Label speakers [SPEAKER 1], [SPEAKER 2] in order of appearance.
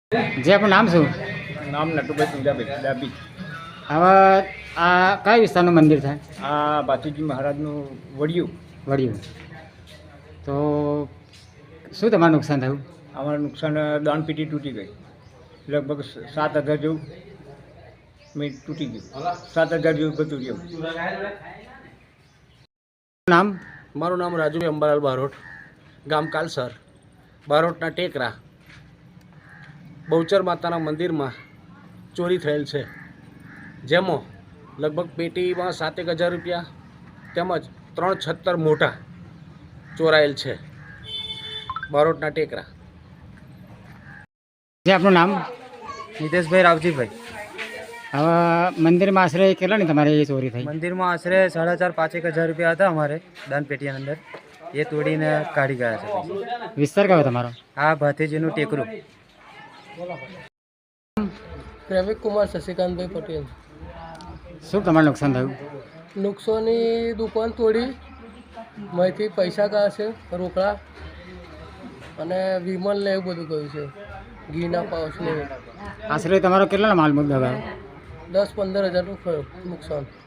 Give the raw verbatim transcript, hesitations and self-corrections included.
[SPEAKER 1] જે આપણું નામ શું?
[SPEAKER 2] નામ નટુભાઈ સુંજાભાઈ ડાબી.
[SPEAKER 1] હવે આ કયા વિસ્તારનું મંદિર થાય?
[SPEAKER 2] આ ભાતીજી મહારાજનું વડિયું.
[SPEAKER 1] વળ્યું. તો શું તમારું નુકસાન થયું?
[SPEAKER 2] અમારું નુકસાન દાનપેટી તૂટી ગઈ. લગભગ સાત હજાર જેવું મેં તૂટી ગયું. સાત હજાર જેવું બધું રહ્યું.
[SPEAKER 1] નામ?
[SPEAKER 3] મારું નામ રાજુભાઈ અંબાલાલ બારોટ, ગામ કાલસર, બારોટના ટેકરા. બહુચર માતાના મંદિરમાં ચોરી થયેલ છે, જેમાં લગભગ પેટીમાં સાતેક હજાર રૂપિયા તેમજ ત્રણ છત્તર મોટા ચોરાયેલ છે. બારોટના ટેકરા.
[SPEAKER 1] જે આપણું નામ?
[SPEAKER 4] નિતેશભાઈ રાવજીભાઈ.
[SPEAKER 1] હવે મંદિરમાં આશરે કેટલાની તમારે એ ચોરી થઈ?
[SPEAKER 4] મંદિરમાં આશરે સાડા ચાર પાંચેક હજાર રૂપિયા હતા અમારે દાનપેટીની અંદર, એ તોડીને કાઢી ગયા છે.
[SPEAKER 1] વિસ્તાર કયો તમારો?
[SPEAKER 4] આ ભાતીજીનું ટેકરું.
[SPEAKER 5] પ્રેમિક કુમાર શશિકાંતભાઈ પટેલ.
[SPEAKER 1] શું તમારું નુકસાન થયું?
[SPEAKER 5] નુકસાની દુકાન તોડી, માંથી પૈસા ગયા છે રોકડા, અને વિમલ ને એવું બધું ગયું છે, ઘીના પાઉચ ને.
[SPEAKER 1] આશરે તમારો કેટલાનો માલ મુદ્દા ગયો?
[SPEAKER 5] દસ પંદર હજારનું નુકસાન.